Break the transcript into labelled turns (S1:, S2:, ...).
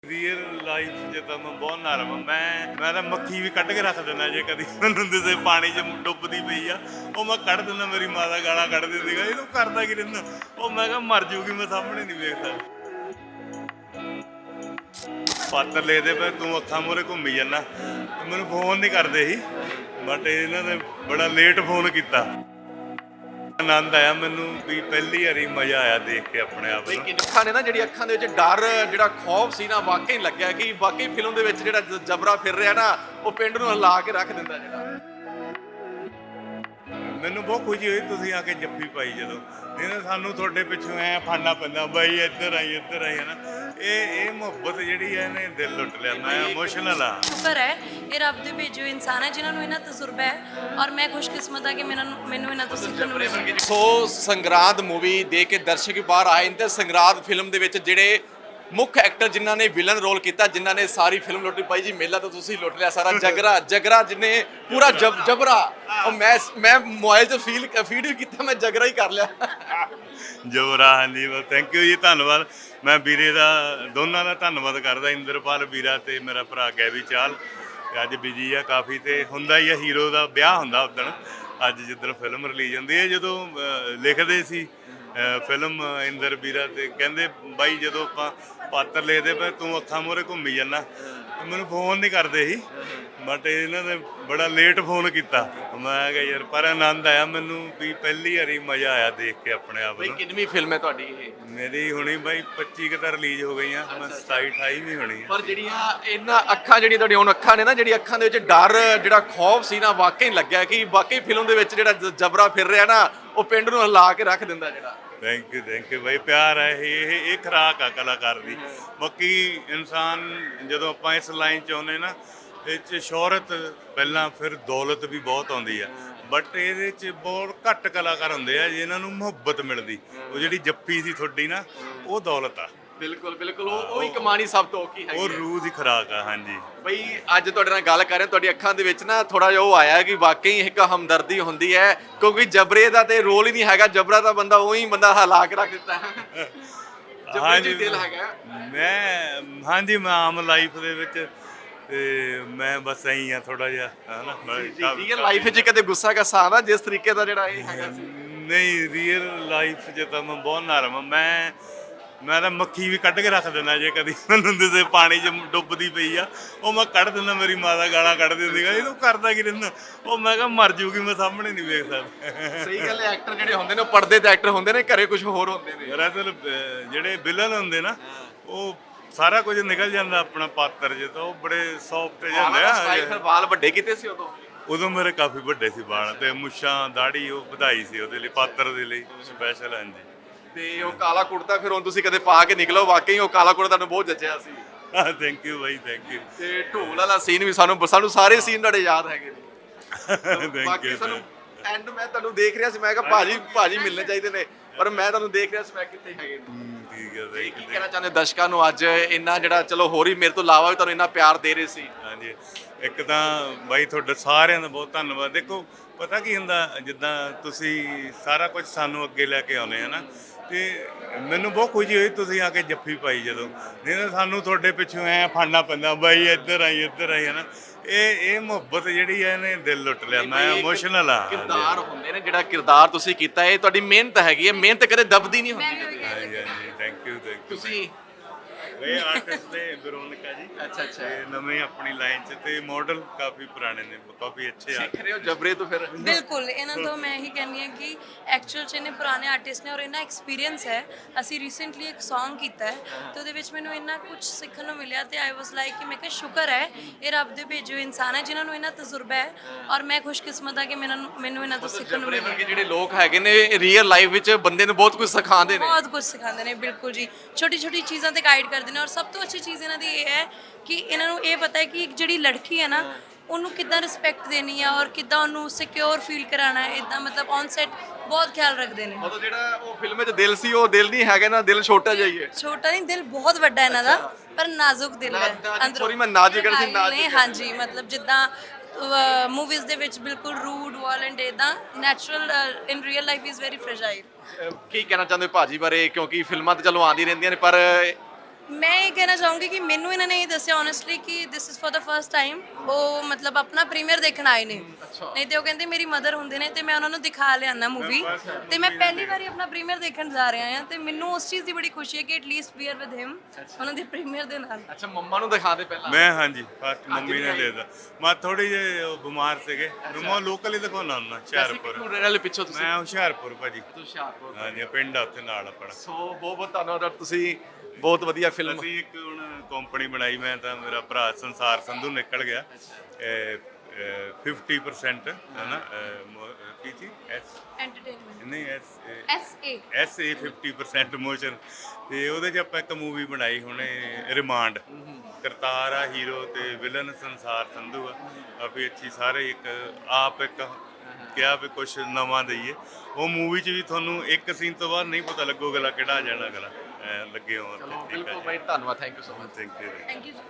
S1: Real life 'ਚ ਤਾਂ ਮੈਂ ਬਹੁਤ ਨਰਮ ਆ। ਮੈਂ ਤਾਂ ਮੱਖੀ ਵੀ ਕੱਢ ਕੇ ਰੱਖ ਦਿੰਦਾ ਜੇ ਕਦੀ ਮੈਨੂੰ ਕਿਸੇ ਪਾਣੀ 'ਚ ਡੁੱਬਦੀ ਪਈ ਆ, ਉਹ ਮੈਂ ਕੱਢ ਦਿੰਦਾ। ਮੇਰੀ ਮਾਂ ਦਾ ਗਾਲਾਂ ਕੱਢਦੀ ਸੀਗਾ, ਇਹਨੂੰ ਕਰਦਾ ਕੀ ਰਹਿੰਦਾ। ਉਹ ਮੈਂ ਕਿਹਾ ਮਰ ਜੂਗੀ, ਮੈਂ ਸਾਹਮਣੇ ਨਹੀਂ ਵੇਖਦਾ। ਪਾਤਰ ਲਿਖਦੇ ਪਏ ਤੂੰ ਅੱਖਾਂ ਮੂਹਰੇ ਘੁੰਮੀ ਜਾਂਦਾ। ਮੈਨੂੰ ਫੋਨ ਨਹੀਂ ਕਰਦੇ ਸੀ, ਬਟ ਇਹਨਾਂ ਨੇ ਬੜਾ ਲੇਟ ਫੋਨ ਕੀਤਾ। ਆਨੰਦ ਆਇਆ ਮੈਨੂੰ ਵੀ ਪਹਿਲੀ ਵਾਰੀ ਮਜ਼ਾ ਆਇਆ ਦੇਖ ਕੇ ਆਪਣੇ ਆਪ ਨੂੰ।
S2: ਅੱਖਾਂ ਨੇ ਨਾ, ਜਿਹੜੀ ਅੱਖਾਂ ਦੇ ਵਿੱਚ ਡਰ, ਜਿਹੜਾ ਖੌਫ ਸੀ ਨਾ, ਵਾਕਈ ਲੱਗਿਆ ਕਿ ਵਾਕਈ ਫਿਲਮ ਦੇ ਵਿੱਚ ਜਿਹੜਾ ਜਬਰਾ ਫਿਰ ਰਿਹਾ ਨਾ, ਉਹ ਪਿੰਡ ਨੂੰ ਹਿਲਾ ਕੇ ਰੱਖ ਦਿੰਦਾ। ਜਿਹੜਾ
S1: ਮੈਨੂੰ ਬਹੁਤ ਖੁਸ਼ੀ ਹੋਈ ਤੁਸੀਂ ਆ ਕੇ ਜੱਫੀ ਪਾਈ ਜਦੋਂ। ਨਹੀਂ ਤਾਂ ਸਾਨੂੰ ਤੁਹਾਡੇ ਪਿੱਛੋਂ ਐ ਫੜਨਾ ਪੈਂਦਾ, ਬਾਈ ਇੱਧਰ ਆਈ ਹੈ ਨਾ। ਇਹ ਮੁਹੱਬਤ ਜਿਹੜੀ ਹੈ ਇਹਨੇ ਦਿਲ ਲੁੱਟ ਲਿਆ। ਮੈਂ ਇਮੋਸ਼ਨਲ ਆ।
S3: ਸ਼ੁਕਰ ਹੈ ਇਹ ਰੱਬ ਦੇ ਭੇਜੇ ਹੋਏ ਇਨਸਾਨ ਹੈ ਜਿਨ੍ਹਾਂ ਨੂੰ ਇਹਨਾਂ ਤਜਰਬਾ ਹੈ, ਔਰ ਮੈਂ ਖੁਸ਼ਕਿਸਮਤ ਹਾਂ ਕਿ ਮੈਨੂੰ ਇਹਨਾਂ ਤੋਂ ਸਿੱਖਣ ਨੂੰ ਮਿਲਿਆ।
S2: ਸੋ ਸੰਗਰਾਂਦ ਮੂਵੀ ਦੇਖ ਕੇ ਦਰਸ਼ਕ ਬਾਹਰ ਆਏ ਨੇ ਤੇ ਸੰਗਰਾਂਦ ਫਿਲਮ ਦੇ ਵਿੱਚ ਜਿਹੜੇ ਮੁੱਖ ਐਕਟਰ ਜਿਨ੍ਹਾਂ ਨੇ ਵਿਲਨ ਰੋਲ ਕੀਤਾ, ਜਿਨ੍ਹਾਂ ਨੇ ਸਾਰੀ ਫਿਲਮ ਲੁੱਟੀ ਪਾਈ ਜੀ। ਮੇਲਾ ਤਾਂ ਤੁਸੀਂ ਲੁੱਟ ਲਿਆ ਸਾਰਾ। ਜਗਰਾ ਜਿਹਨੇ ਪੂਰਾ ਜਬਰਾ, ਉਹ ਮੈਂ ਮੋਬਾਈਲ 'ਚ ਫੀਡ ਵੀ ਕੀਤਾ, ਮੈਂ ਜਗਰਾ ਹੀ ਕਰ ਲਿਆ।
S1: ਜੋਰਾ, ਹਾਂਜੀ, ਥੈਂਕ ਯੂ ਜੀ, ਧੰਨਵਾਦ। ਮੈਂ ਵੀਰੇ ਦਾ ਦੋਨਾਂ ਦਾ ਧੰਨਵਾਦ ਕਰਦਾ, ਇੰਦਰਪਾਲ ਵੀਰਾ ਤੇ ਮੇਰਾ ਭਰਾ ਗੈਵੀ ਚਾਲ। ਅੱਜ ਬਿਜੀ ਆ ਕਾਫੀ, ਤੇ ਹੁੰਦਾ ਹੀ ਆ, ਹੀਰੋ ਦਾ ਵਿਆਹ ਹੁੰਦਾ ਉਦਣ। ਅੱਜ ਜਿੱਦਣ ਫਿਲਮ ਰਿਲੀਜ਼ ਹੁੰਦੀ ਹੈ, ਜਦੋਂ ਲਿਖਦੇ ਸੀ ਫਿਲਮ ਇੰਦਰ ਵੀਰਾ, ਤੇ ਕਹਿੰਦੇ ਬਾਈ ਜਦੋਂ ਆਪਾਂ ਪਾਤਰ ਲਿਖਦੇ ਪਏ ਤੂੰ ਅੱਖਾਂ ਮੂਹਰੇ ਘੁੰਮੀ ਜਾਂਦਾ। ਮੈਨੂੰ ਫੋਨ ਨਹੀਂ ਕਰਦੇ ਸੀ, ਬਟ ਇਹਨਾਂ ਨੇ ਬੜਾ ਲੇਟ ਫੋਨ ਕੀਤਾ। ਮੈਂ ਕਿਹਾ ਯਾਰ, ਪਰ ਆਨੰਦ ਆਇਆ ਮੈਨੂੰ ਵੀ ਪਹਿਲੀ ਵਾਰੀ ਮਜ਼ਾ ਆਇਆ ਦੇਖ ਕੇ ਆਪਣੇ ਆਪ ਨੂੰ।
S2: ਕਿੰਨੀ ਫਿਲਮ ਹੈ ਤੁਹਾਡੀ ਇਹ?
S1: ਮੇਰੀ ਹੁਣੀ ਬਾਈ 25 ਕੁ ਤਾਂ ਰਿਲੀਜ਼ ਹੋ ਗਈਆਂ, ਮੈਂ 27 28 ਵੀ ਹੋਣੀ ਆ।
S2: ਪਰ ਜਿਹੜੀਆਂ ਇਹਨਾਂ ਅੱਖਾਂ, ਜਿਹੜੀਆਂ ਤੁਹਾਡੀਆਂ ਹੁਣ ਅੱਖਾਂ ਨੇ ਨਾ, ਜਿਹੜੀ ਅੱਖਾਂ ਦੇ ਵਿੱਚ ਡਰ, ਜਿਹੜਾ ਖੌਫ ਸੀ ਨਾ, ਵਾਕਈ ਲੱਗਿਆ ਕਿ ਵਾਕਈ ਫਿਲਮ ਦੇ ਵਿੱਚ ਜਿਹੜਾ ਜਬਰਾ ਫਿਰ ਰਿਹਾ ਨਾ, ਉਹ ਪਿੰਡ ਨੂੰ ਹਿਲਾ ਕੇ ਰੱਖ ਦਿੰਦਾ। ਜਿਹੜਾ
S1: ਥੈਂਕ ਯੂ ਬਾਈ, ਪਿਆਰ ਹੈ ਇਹ ਖੁਰਾਕ ਆ ਕਲਾਕਾਰ ਦੀ। ਬਾਕੀ ਇਨਸਾਨ ਜਦੋਂ ਆਪਾਂ ਇਸ ਲਾਈਨ 'ਚ ਆਉਂਦੇ ਨਾ, ਇਹ 'ਚ ਸ਼ੋਹਰਤ ਪਹਿਲਾਂ, ਫਿਰ ਦੌਲਤ ਵੀ ਬਹੁਤ ਆਉਂਦੀ ਆ। ਬਟ ਇਹਦੇ 'ਚ ਬਹੁਤ ਘੱਟ ਕਲਾਕਾਰ ਹੁੰਦੇ ਆ ਜਿਨ੍ਹਾਂ ਨੂੰ ਮੁਹੱਬਤ ਮਿਲਦੀ। ਉਹ ਜਿਹੜੀ ਜੱਫੀ ਸੀ ਤੁਹਾਡੀ ਨਾ, ਉਹ ਦੌਲਤ ਆ।
S2: ਬਿਲਕੁਲ ਉਹ ਹੀ ਕਮਾਣੀ ਸਭ ਤੋਂ ਔਖੀ ਹੈ।
S1: ਉਹ ਰੂਹ ਦੀ ਖੁਰਾਕ ਆ। ਹਾਂਜੀ
S2: ਬਈ, ਅੱਜ ਤੁਹਾਡੇ ਨਾਲ ਗੱਲ ਕਰ ਰਹੇ, ਤੁਹਾਡੀ ਅੱਖਾਂ ਦੇ ਵਿੱਚ ਨਾ ਥੋੜਾ ਜਿਹਾ ਉਹ ਆਇਆ ਕਿ ਵਾਕਈ ਇੱਕ ਹਮਦਰਦੀ ਹੁੰਦੀ ਹੈ, ਕਿਉਂਕਿ ਜਬਰੇ ਦਾ ਤੇ ਰੋਲ ਹੀ ਨਹੀਂ ਹੈਗਾ। ਜਬਰਾ ਦਾ ਬੰਦਾ ਉਹੀ ਬੰਦਾ ਹਿਲਾ ਕੇ ਰੱਖ ਦਿੱਤਾ ਹੈ।
S1: ਹਾਂਜੀ,
S2: ਦਿਲ ਹੈਗਾ।
S1: ਹਾਂਜੀ, ਮੈਂ ਆਮ ਲਾਈਫ ਦੇ ਵਿੱਚ, ਤੇ ਮੈਂ ਬਸ ਐਂ ਆ ਥੋੜਾ ਜਿਹਾ, ਹਨਾ।
S2: ਰੀਅਲ ਲਾਈਫ 'ਚ ਕਦੇ ਗੁੱਸਾ ਕਾ ਸਾਹ ਜਿਸ ਤਰੀਕੇ ਦਾ ਜਿਹੜਾ ਇਹ ਹੈਗਾ ਸੀ?
S1: ਨਹੀਂ, ਰੀਅਲ ਲਾਈਫ 'ਚ ਤਾਂ ਮੈਂ ਬਹੁਤ ਨਰਮ ਆ। ਮੈਂ ਤਾਂ ਮੱਖੀ ਵੀ ਕੱਢ ਕੇ ਰੱਖ ਦਿੰਦਾ ਜੇ ਕਦੀ ਮੈਨੂੰ ਕਿਸੇ ਪਾਣੀ 'ਚ ਡੁੱਬਦੀ ਪਈ ਆ, ਉਹ ਮੈਂ ਕੱਢ ਦਿੰਦਾ। ਮੇਰੀ ਮਾਂ ਦਾ ਗਾਲਾਂ ਕੱਢਦੀ ਸੀਗਾ, ਇਹਨੂੰ ਕਰਦਾ ਕੀ ਰਹਿੰਦਾ। ਉਹ ਮੈਂ ਕਿਹਾ ਮਰ ਜੂਗੀ, ਮੈਂ ਸਾਹਮਣੇ ਨਹੀਂ ਵੇਖ ਸਕਦਾ।
S2: ਸਹੀ ਗੱਲ ਹੈ। ਐਕਟਰ ਜਿਹੜੇ ਹੁੰਦੇ ਨੇ, ਉਹ ਪਰਦੇ ਤੇ ਐਕਟਰ ਹੁੰਦੇ ਨੇ, ਘਰੇ ਕੁਝ ਹੋਰ ਹੁੰਦੇ ਨੇ।
S1: ਦਰਅਸਲ ਜਿਹੜੇ ਵਿਲਨ ਹੁੰਦੇ ਨਾ, ਉਹ ਸਾਰਾ ਕੁਝ ਨਿਕਲ ਜਾਂਦਾ ਆਪਣਾ ਪਾਤਰ 'ਚ, ਤਾਂ ਉਹ ਬੜੇ ਸੌਫਟ ਜਾਂਦੇ ਆ।
S2: ਫਿਰ ਵਾਲ ਵੱਡੇ ਕੀਤੇ ਸੀ
S1: ਉਦੋਂ ਮੇਰੇ ਕਾਫੀ ਵੱਡੇ ਸੀ ਵਾਲ, ਤੇ ਮੁੱਛਾਂ ਦਾੜੀ ਉਹ ਵਧਾਈ ਸੀ ਉਹਦੇ ਲਈ, ਪਾਤਰ ਦੇ ਲਈ ਸਪੈਸ਼ਲ। ਹਾਂਜੀ,
S2: ਤੇ ਉਹ ਕਾਲਾ ਕੁੜਤਾ ਫਿਰ ਹੁਣ ਤੁਸੀਂ ਕਦੇ ਪਾ ਕੇ ਨਿਕਲੋ, ਵਾਕਈ ਉਹ ਕਾਲਾ ਕੁੜਤਾ ਤੁਹਾਨੂੰ ਬਹੁਤ ਜੱਚਿਆ ਸੀ।
S1: ਥੈਂਕ ਯੂ ਬਾਈ, ਥੈਂਕ ਯੂ।
S2: ਤੇ ਢੋਲ ਵਾਲਾ ਸੀਨ ਵੀ ਸਾਨੂੰ ਸਾਰੇ ਸੀਨ ਤੁਹਾਡੇ ਯਾਦ ਹੈਗੇ ਨੇ। ਬਾਕੀ ਸਾਨੂੰ ਐਂਡ ਮੈਂ ਤੁਹਾਨੂੰ ਦੇਖ ਰਿਹਾ ਸੀ, ਮੈਂ ਕਿਹਾ ਭਾਜੀ ਮਿਲਣੇ ਚਾਹੀਦੇ ਨੇ, ਪਰ ਮੈਂ ਤੁਹਾਨੂੰ ਦੇਖ ਰਿਹਾ ਸੀ, ਮੈਂ ਕਿੱਥੇ ਹੈਗੇ ਨੇ।
S1: ਠੀਕ ਹੈ,
S2: ਕੀ ਕਹਿਣਾ ਚਾਹੁੰਦੇ ਦਰਸ਼ਕਾਂ ਨੂੰ ਅੱਜ ਇੰਨਾ ਜਿਹੜਾ, ਚਲੋ ਹੋਰ ਵੀ ਮੇਰੇ ਤੋਂ ਇਲਾਵਾ ਵੀ ਤੁਹਾਨੂੰ ਇੰਨਾ ਪਿਆਰ ਦੇ ਰਹੇ ਸੀ?
S1: ਹਾਂਜੀ, ਇੱਕ ਤਾਂ ਬਾਈ ਤੁਹਾਡਾ ਸਾਰਿਆਂ ਦਾ ਬਹੁਤ ਧੰਨਵਾਦ। ਦੇਖੋ ਪਤਾ ਕੀ ਹੁੰਦਾ, ਜਿੱਦਾਂ ਤੁਸੀਂ ਸਾਰਾ ਕੁਝ ਸਾਨੂੰ ਅੱਗੇ ਲੈ ਕੇ ਆਉਂਦੇ ਆ ਨਾ, ਤੇ ਮੈਨੂੰ ਬਹੁਤ ਖੁਸ਼ੀ ਹੋਈ ਤੁਸੀਂ ਆ ਕੇ ਜੱਫੀ ਪਾਈ ਜਦੋਂ। ਨਹੀਂ ਤਾਂ ਸਾਨੂੰ ਤੁਹਾਡੇ ਪਿੱਛੋਂ ਐ ਫੜਨਾ ਪੈਂਦਾ, ਬਾਈ ਇੱਧਰ ਆਈ ਹੈ ਨਾ। ਇਹ ਮੁਹੱਬਤ ਜਿਹੜੀ ਹੈ ਇਹਨੇ ਦਿਲ ਲੁੱਟ ਲਿਆ। ਮੈਂ ਇਮੋਸ਼ਨਲ ਆ।
S2: ਕਿਰਦਾਰ ਹੁੰਦੇ ਨੇ, ਜਿਹੜਾ ਕਿਰਦਾਰ ਤੁਸੀਂ ਕੀਤਾ, ਇਹ ਤੁਹਾਡੀ ਮਿਹਨਤ ਹੈਗੀ ਹੈ। ਮਿਹਨਤ ਕਦੇ ਦਬਦੀ ਨਹੀਂ ਹੁੰਦੀ ਕਦੇ।
S1: ਹਾਂਜੀ, ਥੈਂਕ ਯੂ
S2: ਤੁਸੀਂ
S1: ਇਹ ਆਰਟਿਸਟ ਨੇ ਵਿਰੋਨਿਕਾ ਜੀ।
S2: ਅੱਛਾ
S1: ਇਹ ਨਵੇਂ ਆਪਣੀ ਲਾਈਨ 'ਚ, ਤੇ ਮਾਡਲ ਕਾਫੀ ਪੁਰਾਣੇ ਨੇ, ਕਾਫੀ ਅੱਛੇ ਆ।
S2: ਸਿੱਖ ਰਹੇ ਹੋ ਜਬਰੇ ਤੋਂ ਫਿਰ?
S3: ਬਿਲਕੁਲ, ਇਹਨਾਂ ਤੋਂ ਮੈਂ ਇਹੀ ਕਹਿੰਦੀ ਹਾਂ ਕਿ ਐਕਚੁਅਲ 'ਚ ਇਹਨੇ ਪੁਰਾਣੇ ਆਰਟਿਸਟ ਨੇ, ਔਰ ਇਹਨਾਂ ਐਕਸਪੀਰੀਅੰਸ ਹੈ। ਅਸੀਂ ਰੀਸੈਂਟਲੀ ਇੱਕ Song ਕੀਤਾ ਹੈ, ਤੇ ਉਹਦੇ ਵਿੱਚ ਮੈਨੂੰ ਇੰਨਾ ਕੁਝ ਸਿੱਖਣ ਨੂੰ ਮਿਲਿਆ, ਤੇ ਆਈ ਵਾਸ ਲਾਈਕ ਕਿ ਮੈਂ ਕਿਹਾ ਸ਼ੁਕਰ ਹੈ ਇਹ ਰੱਬ ਦੇ ਭੇਜੇ ਹੋਏ ਇਨਸਾਨ ਹੈ ਜਿਨ੍ਹਾਂ ਨੂੰ ਇਹਨਾਂ ਤਜਰਬਾ ਹੈ, ਔਰ ਮੈਂ ਖੁਸ਼ਕਿਸਮਤ ਹਾਂ ਕਿ ਮੈਨੂੰ ਇਹਨਾਂ ਤੋਂ ਸਿੱਖਣ ਨੂੰ ਮਿਲਿਆ।
S2: ਜਿਹੜੇ ਲੋਕ ਹੈਗੇ ਨੇ, ਰੀਅਲ ਲਾਈਫ ਵਿੱਚ ਬੰਦੇ ਨੂੰ ਬਹੁਤ ਕੁਝ ਸਿਖਾਉਂਦੇ ਨੇ।
S3: ਬਹੁਤ ਕੁਝ ਸਿਖਾਉਂਦੇ ਨੇ, ਬਿਲਕੁਲ ਜੀ। ਛੋਟੀ ਛੋਟੀ ਚੀਜ਼ਾਂ ਤੇ ਗਾਈਡ ਕਰਦੇ ਨੇ, ਔਰ ਸਭ ਤੋਂ ਅੱਛੀ ਚੀਜ਼ ਇਹਨਾਂ ਦੀ ਇਹ ਹੈ ਕਿ ਇਹਨਾਂ ਨੂੰ ਇਹ ਪਤਾ ਹੈ ਕਿ ਇੱਕ ਜਿਹੜੀ ਲੜਕੀ ਹੈ ਨਾ, ਉਹਨੂੰ ਕਿੱਦਾਂ ਰਿਸਪੈਕਟ ਦੇਣੀ ਆ, ਔਰ ਕਿੱਦਾਂ ਉਹਨੂੰ ਸਿਕਿਉਰ ਫੀਲ ਕਰਾਉਣਾ ਹੈ। ਇਦਾਂ ਮਤਲਬ ਔਨ ਸੈਟ ਬਹੁਤ ਖਿਆਲ ਰੱਖਦੇ ਨੇ।
S2: ਮਤਲਬ ਜਿਹੜਾ ਉਹ ਫਿਲਮ ਵਿੱਚ ਦਿਲ ਸੀ, ਉਹ ਦਿਲ ਨਹੀਂ ਹੈਗਾ ਨਾ, ਦਿਲ ਛੋਟਾ ਜਿਹਾ ਹੀ ਹੈ।
S3: ਛੋਟਾ ਨਹੀਂ, ਦਿਲ ਬਹੁਤ ਵੱਡਾ ਇਹਨਾਂ ਦਾ, ਪਰ ਨਾਜ਼ੁਕ ਦਿਲ ਹੈ ਅੰਦਰੋਂ।
S2: ਸੌਰੀ, ਮੈਂ ਨਾਜ਼ੁਕ ਕਰ ਸੀ, ਨਾਜ਼ੁਕ।
S3: ਹਾਂਜੀ, ਮਤਲਬ ਜਿੱਦਾਂ ਮੂਵੀਜ਼ ਦੇ ਵਿੱਚ ਬਿਲਕੁਲ ਰੂਡ ਵਾਇਲੈਂਟ, ਇਦਾਂ natural in real life is very fragile.
S2: ਕੀ ਕਹਿਣਾ ਚਾਹੁੰਦੇ ਭਾਜੀ ਬਾਰੇ? ਕਿਉਂਕਿ ਫਿਲਮਾਂ ਤਾਂ ਚਲੋ ਆਉਂਦੀ ਰਹਿੰਦੀਆਂ ਨੇ, ਪਰ
S3: ਮੈਂ ਇਹ ਕਹਿਣਾ ਚਾਹੂੰਗੀ ਕਿ ਮੈਨੂੰ ਇਹਨਾਂ ਨੇ ਇਹ ਦੱਸਿਆ ਓਨੈਸਟਲੀ ਕਿ this is for the first time ਉਹ ਮਤਲਬ ਆਪਣਾ ਪ੍ਰੀਮੀਅਰ ਦੇਖਣ ਆਏ ਨੇ, ਨਹੀਂ ਤੇ ਉਹ ਕਹਿੰਦੇ ਮੇਰੀ ਮਦਰ ਹੁੰਦੇ ਨੇ ਤੇ ਮੈਂ ਉਹਨਾਂ ਨੂੰ ਦਿਖਾ ਲਿਆਣਾ ਮੂਵੀ, ਤੇ ਮੈਂ ਪਹਿਲੀ ਵਾਰੀ ਆਪਣਾ ਪ੍ਰੀਮੀਅਰ ਦੇਖਣ ਜਾ ਰਿਹਾ ਹਾਂ ਤੇ ਮੈਨੂੰ ਉਸ ਚੀਜ਼ ਦੀ ਬੜੀ ਖੁਸ਼ੀ ਹੈ ਕਿ ਐਟਲੀਸਟ ਵੀ ਆਰ ਵਿਦ ਹਿਮ ਉਹਨਾਂ ਦੇ ਪ੍ਰੀਮੀਅਰ ਦੇ ਨਾਲ।
S2: ਅੱਛਾ ਮੰਮਾ ਨੂੰ ਦਿਖਾ ਦੇ ਪਹਿਲਾਂ।
S1: ਮੈਂ ਹਾਂਜੀ ਫਸਟ ਮੰਮੀ ਨੇ ਦੇਦਾ, ਮੈਂ ਥੋੜੀ ਜਿਹੀ ਉਹ ਬਿਮਾਰ ਸੀਗੇ, ਮੈਂ ਲੋਕਲ ਹੀ ਦਿਖਾਉਣਾ ਹੁੰਦਾ ਹੁਸ਼ਿਆਰਪੁਰ।
S2: ਰਹਿਣ ਪਿੱਛੋਂ ਤੁਸੀਂ
S1: ਮੈਂ ਹੁਸ਼ਿਆਰਪੁਰ ਭਾਜੀ,
S2: ਹੁਸ਼ਿਆਰਪੁਰ।
S1: ਹਾਂਜੀ ਪਿੰਡ ਆ ਉੱਥੇ ਨਾਲ ਆਪਣਾ।
S2: ਸੋ ਬਹੁਤ ਬਹੁਤ ਧੰਨਵਾਦ, ਤੁਸੀਂ ਬਹੁਤ ਵਧੀਆ ਫਿਲਮ।
S1: ਅਸੀਂ ਇੱਕ ਹੁਣ ਕੰਪਨੀ ਬਣਾਈ, ਮੈਂ ਤਾਂ ਮੇਰਾ ਭਰਾ ਸੰਸਾਰ ਸੰਧੂ ਨਿਕਲ ਗਿਆ 50% ਹੈ ਨਾ ਕੀ ਸੀ
S3: ਐਂਟਰਟੇਨਮੈਂਟ
S1: ਨਹੀਂ
S3: SA
S1: SA 50% ਮੋਸ਼ਨ, ਤੇ ਉਹਦੇ 'ਚ ਆਪਾਂ ਇੱਕ ਮੂਵੀ ਬਣਾਈ ਹੁਣੇ ਰਿਮਾਂਡ। ਕਰਤਾਰ ਆ ਹੀਰੋ ਤੇ ਵਿਲਨ ਸੰਸਾਰ ਸੰਧੂ ਆ, ਕਾਫੀ ਅੱਛੀ। ਸਾਰੇ ਇੱਕ ਆਪ ਇੱਕ ਕਿਹਾ ਵੀ ਕੁਛ ਨਵਾਂ ਦਈਏ। ਉਹ ਮੂਵੀ 'ਚ ਵੀ ਤੁਹਾਨੂੰ ਇੱਕ ਸੀਨ ਤੋਂ ਬਾਅਦ ਨਹੀਂ ਪਤਾ ਲੱਗੂਗਾ ਕਿਹੜਾ ਜਾਣਾ ਅਗਲਾ ਲੱਗੇ ਹੋ।
S2: ਬਿਲਕੁਲ ਬਾਈ, ਧੰਨਵਾਦ, thank you so much.
S1: Thank you.
S3: Thank you.